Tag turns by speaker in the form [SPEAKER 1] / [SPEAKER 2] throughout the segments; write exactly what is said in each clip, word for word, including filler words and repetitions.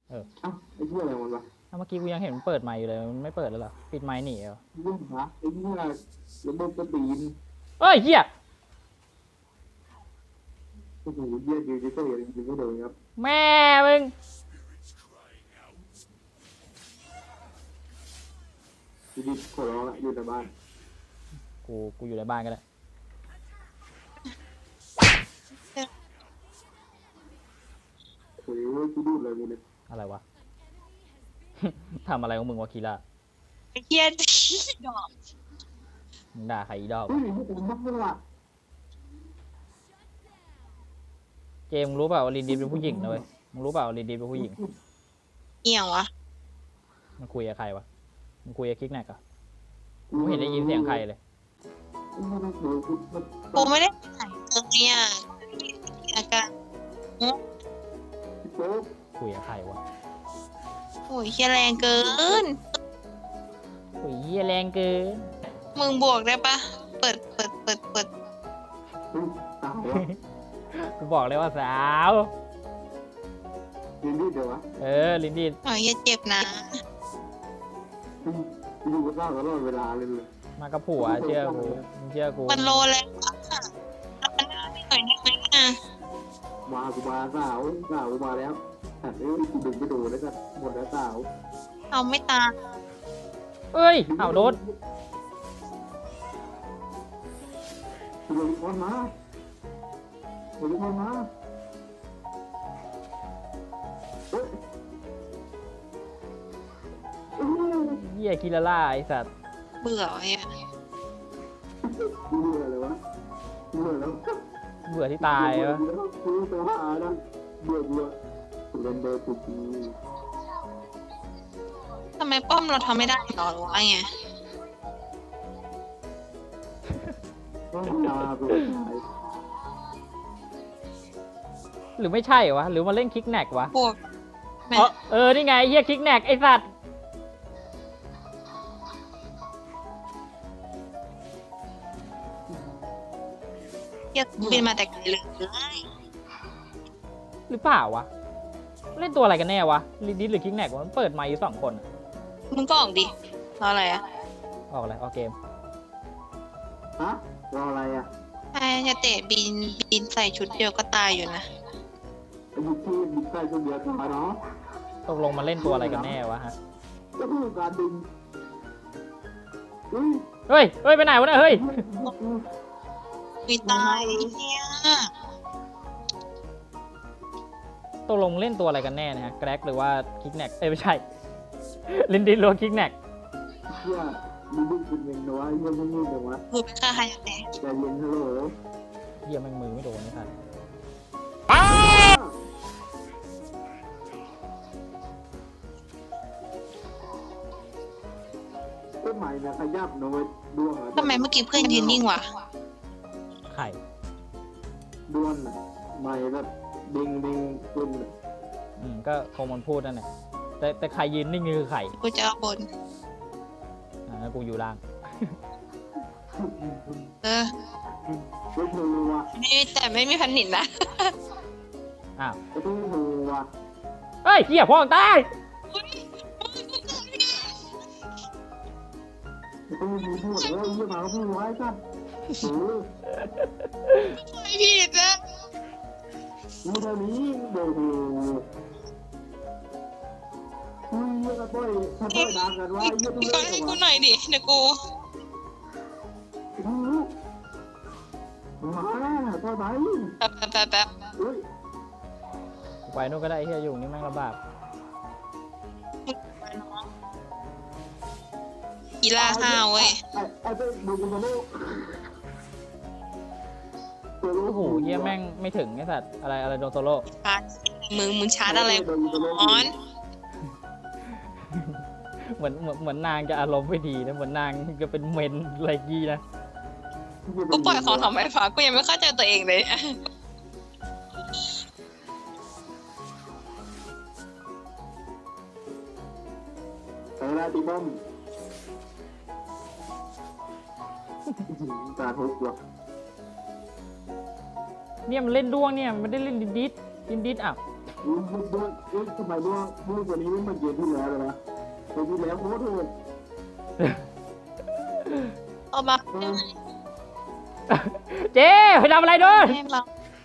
[SPEAKER 1] เออ
[SPEAKER 2] เอ้าไอ้เหี้ยอะไรมันวะ
[SPEAKER 1] เมื่อกี้กูยังเห็นมันเปิดไมค์อยู่เลยมันไม่เปิดแล้วเหรอปิดไมค์หนีเหรอ
[SPEAKER 2] เรื่องหาไอ้เหี้ยระบบกระตีน
[SPEAKER 1] เอ้ยเหี้ย
[SPEAKER 2] โอ้โหเหี้ยดีจิตอลจริงๆก็โดนครับ
[SPEAKER 1] แม่มึง
[SPEAKER 2] ดีดีขอร้องละอยู่แต่บ้าน
[SPEAKER 1] กูกูอยู่ในบ้านก็ได้
[SPEAKER 2] โอ้ยกูดูอะไรกูเนี่ย
[SPEAKER 1] อะไรวะ ทำอะไรของมึงวะคีล่า
[SPEAKER 3] ไอ้เหี้ยดอก
[SPEAKER 1] มึงด่าใครอีดอก
[SPEAKER 2] เฮ้ยผมบ้าเลยว่ะ
[SPEAKER 1] เจมมึงรู้เปล่าว่าลินดีเป็นผู้หญิงนะเว้ยมึงรู้เปล่าว่าลินดีเป็นผู้หญิง
[SPEAKER 3] เอี่ยววะ
[SPEAKER 1] มันคุยกับใครวะมันคุยกับคิกแนกอะกูไม่เห็นได้ยินเสียงใครเลย
[SPEAKER 3] กูไม่ได้ถ่ายตรงเนี้ยอาการ
[SPEAKER 1] คุยกับใครวะ
[SPEAKER 3] โอ้ยเหี้ยแรงเกิน
[SPEAKER 1] โอ้ยเหี้ยแรงเกิน
[SPEAKER 3] มึงบวกได้ปะเปิดเปิดเปิดเปิด
[SPEAKER 2] ตายวะ
[SPEAKER 1] กูบอกเลยว่าสาว
[SPEAKER 2] ยืนดีเดี๋ยววะ
[SPEAKER 1] เออลินดี
[SPEAKER 3] โอ้ยอย่าเจ็บนะ
[SPEAKER 2] อยู่กับเจ้าตลอดเวลาเลยเลย
[SPEAKER 1] มากับผัวเชื่อกูมึงเชื่อกู
[SPEAKER 3] มันโลแล้วอะแล้วมันน่าไม่หน่อยได้ไหมอ่ะ
[SPEAKER 2] มากูมาสาวสาวกูมาแล้วแต่เอ้ยกูดึงไปดูแล้วกันหมดแล้วสาว
[SPEAKER 3] เอาไม่ตาม
[SPEAKER 1] เอ้ยเอาโดน
[SPEAKER 2] กูโดนคอนมากูโดนคอนมาเฮ้ย
[SPEAKER 1] เหี้ยคิลาล่าไอสัตว์
[SPEAKER 3] เบื่อไอ้อะ
[SPEAKER 2] กูเบื่อเลยวะเบื่อแล้ว
[SPEAKER 1] เบื่อที่ตายวะ
[SPEAKER 2] กูตัวหานะเบื่อเบื่อกูเล่นเบอร์กูดี
[SPEAKER 3] ทำไมป้อมเราทำไม่ได้หรอหรือว่าไง
[SPEAKER 2] ก็ตากูตาย
[SPEAKER 1] หรือไม่ใช่วะหรือมาเล่นคิกแนกวะ
[SPEAKER 3] บวกแม่
[SPEAKER 1] เออเออนี่ไงเหี้ยคิกแนกไอสัตว์
[SPEAKER 3] เหี้ยบินมาแต่ไกลเลย
[SPEAKER 1] หรือเปล่าวะเล่นตัวอะไรกันแน่วะลินดิสหรือคิกแนกวะมันเปิดไมค์อยู่สองคนอะ
[SPEAKER 3] มึงก็ออกดิรออะไรอ่ะ
[SPEAKER 1] ออกอะไรออกเกม
[SPEAKER 2] ฮะรออะไรอ่ะ
[SPEAKER 3] ใช่จะเตะบินบินใส่ชุดเดียวก็ตายอยู่นะ
[SPEAKER 2] ไอ้บุกที่บุกใกล้คนเดียวตายเนาะ
[SPEAKER 1] ตกลงมาเล่นตัวอะไรกันแน่วะฮะ
[SPEAKER 2] ก็คือการดึงอุ้ย
[SPEAKER 1] เฮ้ยเฮ้ยไปไหนวะเนี่ยเฮ้ย
[SPEAKER 3] มีตายไอ้เหี้ย
[SPEAKER 1] ตกลงเล่นตัวอะไรกันแน่นะฮะแกร็กหรือว่าคิกแนกเอ้ยไม่ใช่ ลินดิสหรือคิกแนก
[SPEAKER 2] เชี่ยมีลูกคุณเองนะวะเยี่ยมมึงเดี๋ยววะ
[SPEAKER 3] กูเป็นข้าใครจะแตะ
[SPEAKER 2] ใจเย็นฮัลโหล
[SPEAKER 1] เหี้ยแม่งมือไม่โดนนี่สัตว์
[SPEAKER 2] ต้นใหม่นะขยับนะเว้ยดวงอ่ะ
[SPEAKER 3] ทำไมเมื่อกี้เพื่อนยืนนิ่งวะ
[SPEAKER 1] ไข่
[SPEAKER 2] ดวงอ่ะใหม่แบบเด้งเด้งขึ้น
[SPEAKER 1] อืมก็คงมันพูดนั่นแหละแต่แต่ใครยืนนิ่งนี่คือไข่
[SPEAKER 3] กูจะเอาบน
[SPEAKER 1] อ่างั้นกูอยู่ล่าง
[SPEAKER 3] เออ
[SPEAKER 2] ไม่ถูกว่ะ
[SPEAKER 3] ไม่แต่ไม่มีพันหนินนะ
[SPEAKER 1] อ้าว
[SPEAKER 2] ไม่ถูกว่ะ
[SPEAKER 1] เฮ้ยเหี้ยพ่อตาย
[SPEAKER 2] ไม่ต้องมีพูดเลยยี่หมาพูดไว้กันโอ้ย
[SPEAKER 3] ไม่ผิดนะ
[SPEAKER 2] มีเท่านี้เดี๋ยวโอ้คุยกันบ่อยถ้าบ่อยดังกันว่าเยี่ยม
[SPEAKER 3] มึง
[SPEAKER 2] เล
[SPEAKER 3] ก็
[SPEAKER 2] ย
[SPEAKER 3] ให้กู
[SPEAKER 2] ว่ะ
[SPEAKER 3] หน่อยดิเดี๋ยวกู
[SPEAKER 2] มาแล้วต่อไป
[SPEAKER 3] แป๊บแป๊บแป๊บแป๊บ
[SPEAKER 2] อุ้ย
[SPEAKER 1] กูไปนู่นก็ได้เหี้ยอยู่นี่แม่งลำบาก
[SPEAKER 3] กีฬาห้าวเว้ย
[SPEAKER 2] ไอ้ไอ้เป็นดูกันมาโลก
[SPEAKER 1] โอ้โหเหี้ยแม่งไม่ถึงไอ้สัตว์อะไรอะไรโดนโซโล่
[SPEAKER 3] ชาร์จมึงมึงชาร์จอะไรออน
[SPEAKER 1] เหมือนเหมือนเหมือนนางจะอารมณ์ไม่ดีนะเหมือนนางจะเป็นเมนอะไรกี้นะ
[SPEAKER 3] กูปล่อยของทำไมฟ้ากูยังไม่เข้าใจตัวเองเลย
[SPEAKER 2] ไปแล้วตีบ้อมตาทุกข์ว่ะ
[SPEAKER 1] เนี่ยมันเล่นด้วงเนี่ยมันไม่ได้เล่นดินดิสดินดิสอ่ะ
[SPEAKER 2] อุ้ยด้วยเอ้ยทำไมด้วยด้วยกว่านี้ไม่เหมือนเกมที่แล้วเลยวะเกมที่แล้วโคตรโหด
[SPEAKER 3] เอามา
[SPEAKER 2] เออ
[SPEAKER 1] เจ๊ไปทำอะไรโดน
[SPEAKER 3] ให้เรา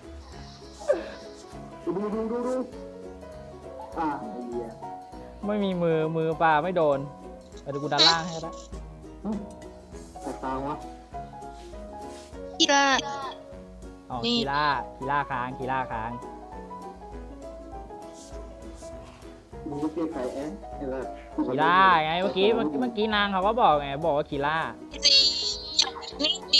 [SPEAKER 2] ดูดูดูดูอ่าไอ้เหี้ย
[SPEAKER 1] ไม่มีมือมือปลาไม่โดนไปดูกูด้านล่างให้ก็ได้
[SPEAKER 2] แต่ตาวะ
[SPEAKER 3] ที่ละ
[SPEAKER 1] อ๋อ
[SPEAKER 3] นี่
[SPEAKER 1] คีล่าคีล่าค้างคีล่าค้าง
[SPEAKER 2] มึงก็เกลียดใครแอะไอ้แบบ
[SPEAKER 1] คีล่าไงเมื่อกี้เมื่อกี้เมื่อกี้นางเขาก็บอกไงบอกว่าคีล่า
[SPEAKER 3] สินี่ดี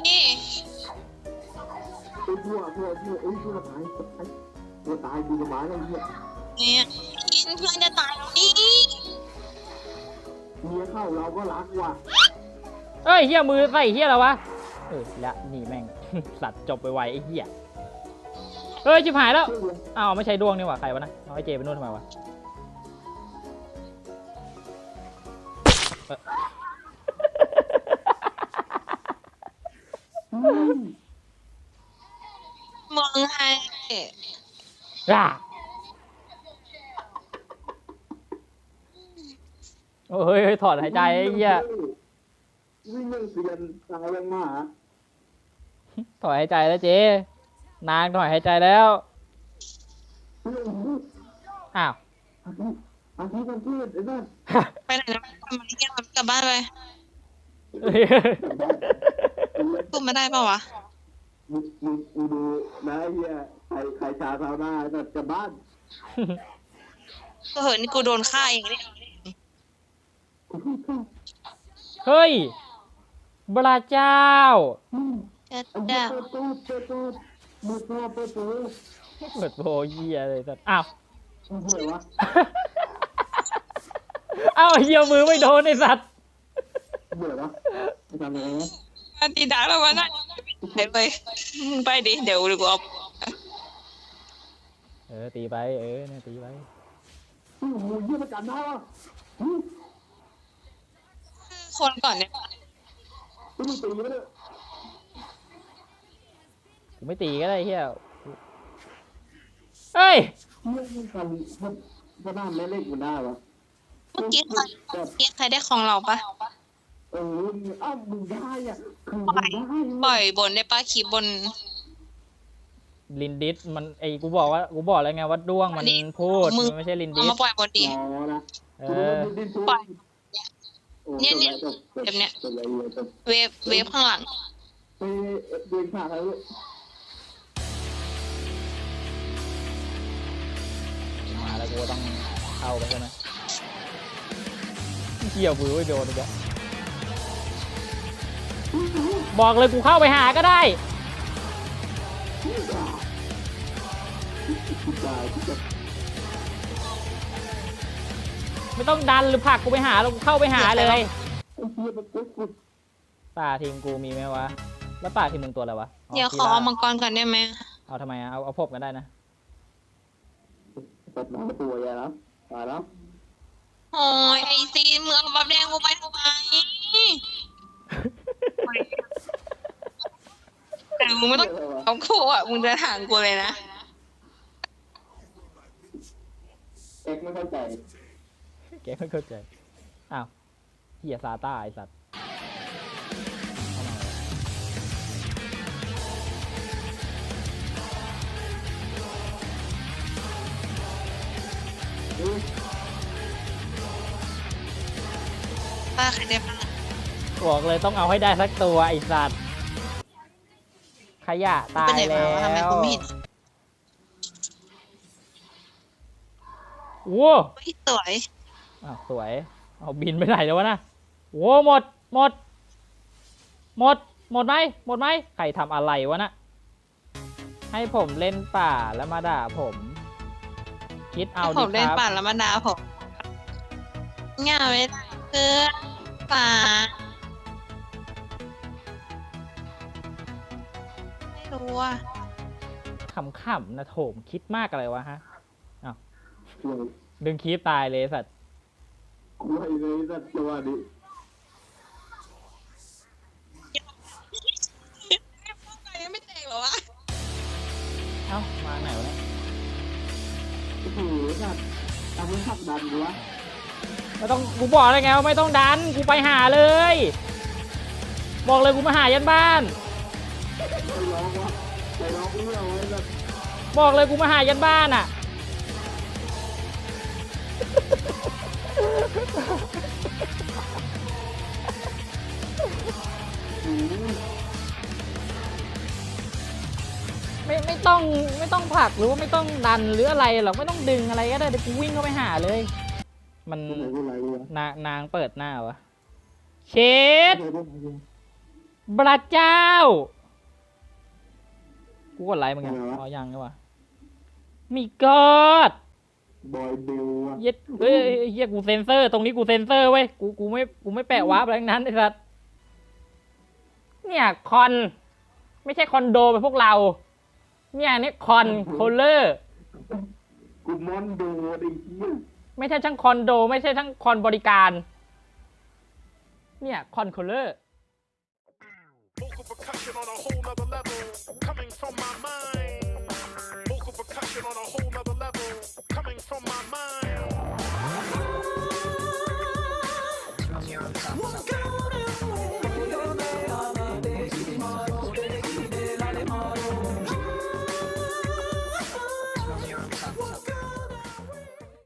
[SPEAKER 2] ไอ้พวกพวกพวกไอ้พวกตายตายตัวตายดูสบายเลยเนี่ย
[SPEAKER 3] เนี่ยกินเพื่อนจะตายแล้วนี่
[SPEAKER 2] เมียเข้าเราก็รักว่ะ
[SPEAKER 1] เอ้ยเฮียมือใส่เฮียแล้ววะเออและนี่แม่ง สัตว์จบไปไวไอ้เฮียเฮ้ยชิบหายแล้ว
[SPEAKER 2] เชื่อเลย
[SPEAKER 1] อ้าวไม่ใช่ดวงนี่หว่าใครวะนะเอาไอ้เจไปนู่นทำไมวะเอ่อ
[SPEAKER 2] อืม
[SPEAKER 3] มองให้
[SPEAKER 1] อ่ะโอ้ยเฮ้ยถอดหายใจไอ้เหี้ย
[SPEAKER 2] วิ่งเรื่องเสียนตายยังหมา
[SPEAKER 1] ถอดหายใจแล้วเจนางถอดหายใจแล้ว
[SPEAKER 2] เรื่องนี้
[SPEAKER 1] อ้าว
[SPEAKER 2] อาทิตย์อาทิตย์กันเทศไอ้นั่น
[SPEAKER 3] ไปไหนนะทำอะไรกันกลับบ้านไปพูดมาได้ปะวะ
[SPEAKER 2] มึงมึงมึงดูนะไอ้เหี้ยใครใครชาเท้าหน้าแต่จะบ้าน
[SPEAKER 3] ก็เหินนี่กูโดนฆ่าเองนี่
[SPEAKER 1] เฮ้ยบราเจ้า
[SPEAKER 3] จะ
[SPEAKER 2] ไอ้
[SPEAKER 3] จะ
[SPEAKER 2] เปิดตู้เปิดตู้มือตัวเปิดตู้
[SPEAKER 1] เปิดโบเฮียเลยสัตว์อ้าว
[SPEAKER 2] มันเหนื่อยวะ
[SPEAKER 1] อ้าวเฮียมือไม่โดนไอ้สัตว์
[SPEAKER 2] เหนื่อยวะไปทำอะไรวะ
[SPEAKER 3] อันตีด่าแล้ววะน่ะไปไปมึงไปดิเดี๋ยวกูเอา
[SPEAKER 1] เออตีไปเออเนี่ยตีไป
[SPEAKER 2] โอ้โหเยี่ยมกันนะวะอืม
[SPEAKER 3] คนก่อนเนี่ย
[SPEAKER 2] ไม่ต้องตีมันเลย
[SPEAKER 1] กูไม่ตีก็ได้เฮียเฮ้ย
[SPEAKER 2] เยี่ยมมันกันมันมันน่าแม่เล็กมันได้วะ
[SPEAKER 3] เมื่อกี้ใครเมื่อกี้ใครได้ของเราปะ
[SPEAKER 2] เอออ้าวมึงได้อ่ะคือมึงได้
[SPEAKER 3] ปล่อยบนได้ปะขีบบน
[SPEAKER 1] ลินดิสมันไอ้กูบอกว่ากูบอกแล้วไงว่าด้วงมันพูด
[SPEAKER 3] มึง
[SPEAKER 1] มันไม่ใช่ลิน
[SPEAKER 3] เอา
[SPEAKER 1] ดิส
[SPEAKER 3] มาปล่อยบนดิ
[SPEAKER 2] อ๋อนะ
[SPEAKER 1] เออ
[SPEAKER 3] ปล่อย เนี่ยเนี่ยแบบเนี้ย เวฟเวฟข้างหลัง
[SPEAKER 2] ไปเดินผ่านแล้ว
[SPEAKER 1] มาแล้วกูก็ต้องเข้าไปใช่ไหมเกี่ยวมือไว้โดนอีกแล้วบอกเลยกูเข้าไปหาก็ได้ ไม่ต้องดันหรือผลักกูไปหาแล้วกูเข้าไปหาเลย
[SPEAKER 2] ไอ้เหี้ยมันกุ๊กกุ๊ก
[SPEAKER 1] ป่าทีมกูมีไหมวะ แล้วป่าทีมมึงตัวอะไรวะ
[SPEAKER 3] เดี๋ยวขอเอามังกรก่อนได้ไหม
[SPEAKER 1] เอาทำไมอะเอาเอาพบกันได้นะ
[SPEAKER 2] ตัดน้ำตัวใหญ่แล้วตายแล้ว
[SPEAKER 3] โอ้ยไอซีนมึงเอาบับแดงกูไปทำไมแต่มึงไม่ต้องเอากูอ่ะมึงเดินห่างกูเลยนะ
[SPEAKER 2] เอ็กไม่เข้าใจ
[SPEAKER 1] แกไม่เข้าใจ อ้าวเฮียซาต้าไอสัตว์เข้ามา
[SPEAKER 3] ป้าใครได้บ้าง
[SPEAKER 1] บอกเลยต้องเอาให้ได้สักตัวไอสัตว์ ขยะตาย
[SPEAKER 3] ไปไหน
[SPEAKER 1] แล้
[SPEAKER 3] มาวะทำไม
[SPEAKER 1] ว
[SPEAKER 3] กูไม่เห็น
[SPEAKER 1] โว้
[SPEAKER 3] เฮ้ยสวย
[SPEAKER 1] อ้าวสวย เอาบินไปไหนแล้ววะนะโว้หมด หมด หมด หมดไหมหมดไหมใครทำอะไรวะนะให้ผมเล่นป่าแล้วมาด่าผม คิดเอา
[SPEAKER 3] ผ
[SPEAKER 1] ดิ
[SPEAKER 3] ม
[SPEAKER 1] ค
[SPEAKER 3] เล่น
[SPEAKER 1] รับ
[SPEAKER 3] ป่านแล้วมาด่าผมเงาไม่ได้เพื่อนป่าไม่รู้อ่ะ
[SPEAKER 1] ขำๆนะโถมคิดมากอะไรวะฮะ
[SPEAKER 2] ช่วย
[SPEAKER 1] ดึงคีบตายเลยสัตว์
[SPEAKER 2] กูให้เลยสัตว์ตัวนี้
[SPEAKER 3] ยังไม่แตกเหรอวะ
[SPEAKER 1] เอ้ามาไหนวะเนี่ย
[SPEAKER 2] ถือสัตว์ทำให้ขับดันดูวะ
[SPEAKER 1] ไม่ต้องกูบอกเลยไงว่าไม่ต้องดันกูไปหาเลย บอกเลยกูมาหายันบ้าน
[SPEAKER 2] ไปร้องวะไปร้องเรื่องไว้แบบ
[SPEAKER 1] บอกเลยกูมาหายันบ้านอ่ะ
[SPEAKER 2] หืม
[SPEAKER 1] ไม่ไม่ต้องไม่ต้องผลักหรือว่าไม่ต้องดันหรืออะไรหรอกไม่ต้องดึงอะไรก็ได้เดี๋ยวกูวิ่งเข้าไปหาเลย มัน
[SPEAKER 2] พูดไหนพูดไหนดูวะ
[SPEAKER 1] นางนางเปิดหน้าวะเชด
[SPEAKER 2] พูดไหนพูดไหนดู
[SPEAKER 1] พระเจ้ากูกดไลค์มึงยังอ๋อยังใช่ปะมีกอด
[SPEAKER 2] บอยบิวอะ
[SPEAKER 1] เย็ดเฮ้ยเฮียกูเซนเซอร์ ตรงนี้กูเซนเซอร์เว้ยกูกูไม่กูไม่แปะวาร์ปอะไรทั้งนั้นไอ้สัสเนี่ยคอน ไม่ใช่คอนโดเป็นพวกเรา เนี่ยนี่คอนโคลเลอร์
[SPEAKER 2] กูมอนดูไอ้เหี้ย
[SPEAKER 1] ไม่ใช่ช่างคอนโด ไม่ใช่ช่างคอนบริการ เนี่ยคอนโคลเลอร์
[SPEAKER 4] Vocal percussion on a whole nother level, coming from my mind. Vocal percussion on a whole nother level, coming from my mind.